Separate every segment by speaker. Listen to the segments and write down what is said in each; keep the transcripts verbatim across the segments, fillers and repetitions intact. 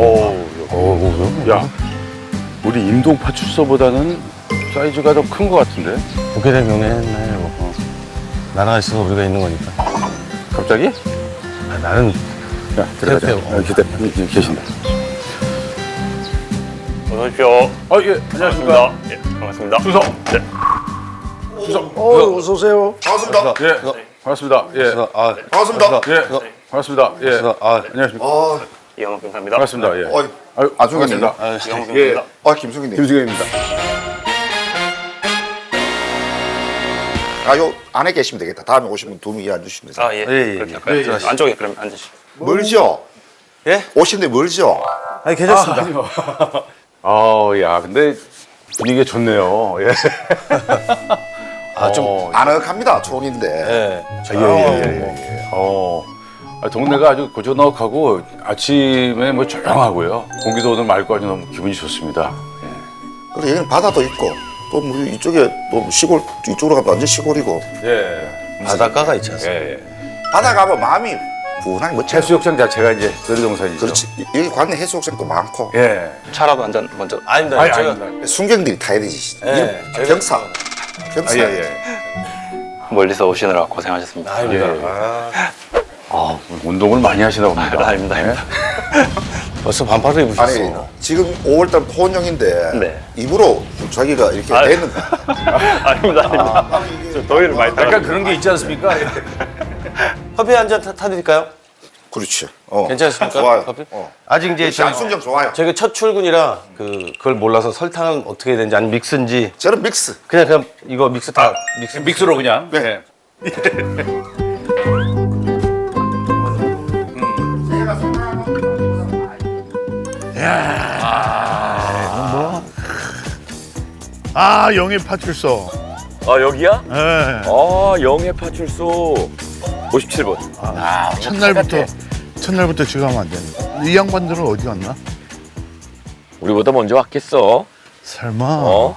Speaker 1: 오, 오, 야, 우리 임동 파출소보다는 사이즈가 더 큰 것 같은데?
Speaker 2: 보게 되면 맨날 뭐 나라가 있어서 우리가 있는 거니까.
Speaker 1: 갑자기?
Speaker 2: 아, 나는
Speaker 1: 야, 들어가자.
Speaker 2: 계세요.
Speaker 1: 아, 기대, 여기 계신다.
Speaker 3: 어서 오십시오.
Speaker 1: 아, 예, 안녕하십니까.
Speaker 3: 예, 반갑습니다.
Speaker 1: 주석.
Speaker 3: 네.
Speaker 1: 주석.
Speaker 4: 어, 어서 오세요.
Speaker 5: 반갑습니다.
Speaker 1: 예, 반갑습니다. 예,
Speaker 2: 아,
Speaker 5: 반갑습니다.
Speaker 1: 예, 반갑습니다. 예,
Speaker 2: 아,
Speaker 1: 안녕하십니까.
Speaker 5: 아,
Speaker 3: 이영호 병사입니다.
Speaker 1: 반갑습니다. 예.
Speaker 5: 어이,
Speaker 1: 아유,
Speaker 5: 안승현입니다.
Speaker 1: 반갑습니다.
Speaker 3: 이영호
Speaker 1: 예,
Speaker 3: 병사입니다.
Speaker 5: 아, 김승희님.
Speaker 1: 김승현입니다.
Speaker 5: 아, 요 안에 계시면 되겠다. 다음에 오시면 두 분이 앉으시면 되세요.
Speaker 3: 아, 예.
Speaker 2: 예, 예,
Speaker 3: 그렇게
Speaker 2: 예.
Speaker 3: 할까요?
Speaker 1: 예, 예.
Speaker 3: 안쪽에 그럼 앉으시죠.
Speaker 5: 멀죠?
Speaker 2: 예?
Speaker 5: 오시는데 멀죠?
Speaker 2: 아니 괜찮습니다.
Speaker 1: 아, 야, 근데 분위기가 좋네요. 예.
Speaker 2: 아, 좀
Speaker 1: 어,
Speaker 5: 아늑합니다. 촌인데.
Speaker 2: 예.
Speaker 1: 예, 예, 예, 예. 어, 아, 동네가 아주 고즈넉하고 아침에 뭐 조용하고요. 공기도 오늘 맑고 아주 너무 기분이 좋습니다.
Speaker 5: 그리고 여기는 바다도 있고, 또 뭐 이쪽에 또 시골, 이쪽으로 가면 완전 시골이고.
Speaker 1: 예.
Speaker 2: 바닷가가 있지 않습니까?
Speaker 1: 예, 예.
Speaker 5: 바다 가면 마음이 분하게 멋져요.
Speaker 1: 해수욕장 자체가 이제 놀이동산이죠.
Speaker 5: 그렇지. 여기 관내 해수욕장도 많고.
Speaker 1: 예.
Speaker 3: 차라도 한잔 먼저.
Speaker 2: 아닙니다.
Speaker 1: 아니,
Speaker 2: 제가
Speaker 1: 아닙니다.
Speaker 5: 순경들이 타야 되지.
Speaker 2: 예,
Speaker 5: 이름
Speaker 2: 저희가-
Speaker 5: 경사. 경사.
Speaker 1: 아, 예, 예.
Speaker 3: 멀리서 오시느라 고생하셨습니다.
Speaker 2: 아닙니다.
Speaker 1: 예.
Speaker 2: 아,
Speaker 1: 아, 운동을 많이 하시나 봅니다.
Speaker 3: 아, 아닙니다, 아닙니다.
Speaker 2: 벌써 반팔을
Speaker 5: 아니,
Speaker 2: 입으셨어.
Speaker 5: 지금 오월달 포원형인데
Speaker 3: 네.
Speaker 5: 입으로 자기가 이렇게
Speaker 3: 아,
Speaker 5: 됐는가?
Speaker 3: 아닙니다, 아닙니다. 저 더위를 많이 타가지고.
Speaker 1: 약간 그런 게 있지 않습니까?
Speaker 2: 커피 한 잔 타드릴까요?
Speaker 5: 그렇지. 어.
Speaker 2: 괜찮습니까?
Speaker 5: 좋아요.
Speaker 2: 커피?
Speaker 5: 어.
Speaker 2: 아직 이제 저희,
Speaker 5: 안순경 좋아요.
Speaker 2: 저희가 첫 출근이라 그 그걸 몰라서 설탕은 어떻게 해야 되는지 아니 믹스인지
Speaker 5: 저는 믹스.
Speaker 2: 그냥 그냥 이거 믹스 다 믹스
Speaker 1: 믹스로 그냥.
Speaker 5: 네.
Speaker 1: 예.
Speaker 6: 아 영예 파출소.
Speaker 7: 아 여기야?
Speaker 6: 예.
Speaker 7: 아 영해 파출소 오십칠 번.
Speaker 6: 아, 첫날부터 첫날부터 지금 하면 안 되는데. 이 양반들은 어디 갔나?
Speaker 7: 우리보다 먼저 왔겠어.
Speaker 6: 설마.
Speaker 7: 어?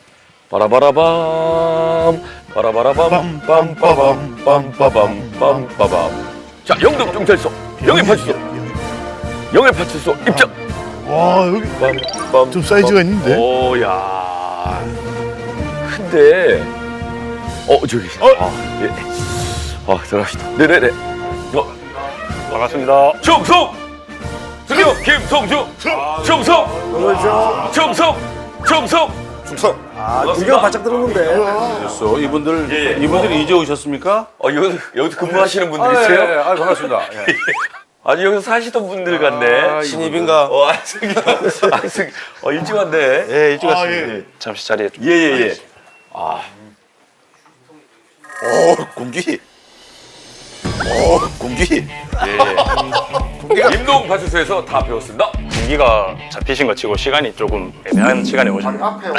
Speaker 7: 바라바라밤 바라바라밤 빰빠밤 빰빠밤 빰빠밤. 자 영동 경찰서 영해 파출소 영해 파출소 입장.
Speaker 6: 와 여기
Speaker 7: 빰빰.
Speaker 6: 좀 사이즈가 있는데?
Speaker 7: 오야. 근데 어 저기.
Speaker 6: 어?
Speaker 7: 아 예. 아 들어갑시다. 네네네. 어.
Speaker 3: 반갑습니다.
Speaker 7: 충성! 승용 김성주! 충성! 충성! 충성!
Speaker 5: 충성.
Speaker 4: 아, 구경 바짝 들었는데.
Speaker 1: 됐어. 이분들,
Speaker 7: 예, 예.
Speaker 1: 이분들이 이제 오셨습니까?
Speaker 7: 어, 여기서, 여기서 근무하시는 분들
Speaker 1: 아, 예,
Speaker 7: 있어요?
Speaker 1: 예. 아, 반갑습니다. 예.
Speaker 7: 아니, 여기서 사시던 분들 같네.
Speaker 1: 아,
Speaker 2: 신입인가?
Speaker 7: 어, 아, 승용. 아, 승, 어, 일찍 왔네.
Speaker 2: 예, 일찍
Speaker 6: 아,
Speaker 2: 왔습니다.
Speaker 6: 예.
Speaker 3: 잠시 자리에 좀.
Speaker 7: 예, 예, 예.
Speaker 5: 오, 공기. 오, 공기.
Speaker 7: 임동 파출소에서 다 배웠습니다.
Speaker 3: 공기가 잡히신 것 치고 시간이 조금 애매한 시간에 오신 것
Speaker 5: 앞에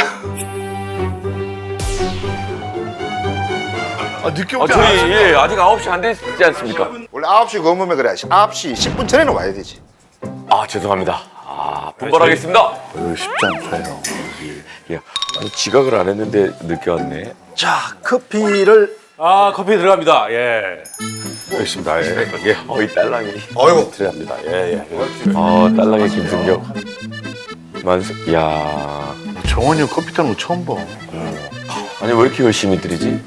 Speaker 6: 아 늦게
Speaker 7: 아,
Speaker 6: 오지
Speaker 7: 저희,
Speaker 6: 않았어.
Speaker 7: 예, 아직 아홉 시 안 됐지 않습니까?
Speaker 5: 원래 아홉 시 검으면 그래. 아홉 시 십 분 전에는 와야 되지.
Speaker 7: 아, 죄송합니다. 아, 분발하겠습니다.
Speaker 5: 쉽지 않아요.
Speaker 7: 예. 아니, 지각을 안 했는데 늦게 왔네.
Speaker 4: 자, 커피를
Speaker 1: 아, 커피 들어갑니다. 예. 알겠습니다. 예. 예.
Speaker 7: 어, 이 딸랑이.
Speaker 5: 어이구.
Speaker 7: 들어갑니다. 예, 예. 어, 딸랑이 김승경. 만수, 야
Speaker 6: 정원이 형 커피 타는 거 처음 봐.
Speaker 7: 아니, 왜 이렇게 열심히 들이지?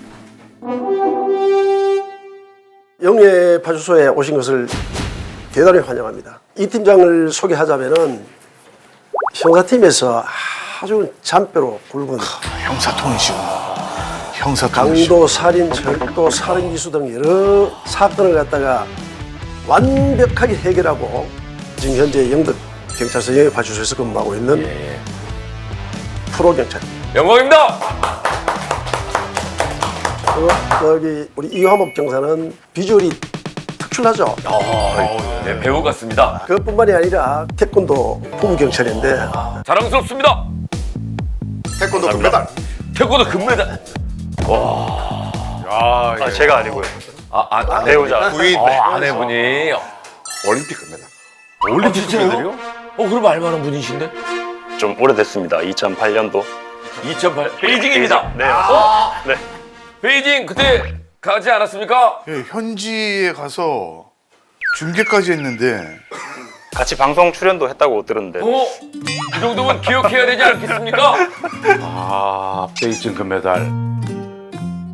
Speaker 4: 영예 파출소에 오신 것을 대단히 환영합니다. 이 팀장을 소개하자면은 형사팀에서 아주 잔뼈로 굵은
Speaker 6: 형사통이시구나. 형사통이시고.
Speaker 4: 강도, 살인, 절도, 살인 기수 등 여러 사건을 갖다가 완벽하게 해결하고 지금 현재 영덕 경찰서 영예 파출소에서 근무하고 있는 프로 경찰입니다.
Speaker 7: 영광입니다.
Speaker 4: 그, 여기 우리 이화목 경사는 비주얼이 특출나죠.
Speaker 7: 네, 배우 같습니다.
Speaker 4: 그것뿐만이 아니라 태권도 부부 경찰인데
Speaker 7: 자랑스럽습니다.
Speaker 5: 태권도 금메달.
Speaker 7: 태권도 금메달.
Speaker 1: 아, 예.
Speaker 3: 아, 제가 아니고요.
Speaker 7: 아, 아, 아
Speaker 3: 배우자.
Speaker 5: 부인.
Speaker 7: 어, 아내분이.
Speaker 5: 올림픽 금메달.
Speaker 7: 올림픽 금메달이요? 어, 그럼 알만한 분이신데?
Speaker 3: 좀 오래됐습니다. 이천팔 년도.
Speaker 7: 이천팔 베이징입니다.
Speaker 3: 네, 맞습니다. 네.
Speaker 7: 베이징 그때 가지 않았습니까?
Speaker 6: 예, 현지에 가서 중계까지 했는데
Speaker 3: 같이 방송 출연도 했다고 들었는데
Speaker 1: 어? 이 정도면 기억해야 되지 않겠습니까? 아, 베이징 금메달.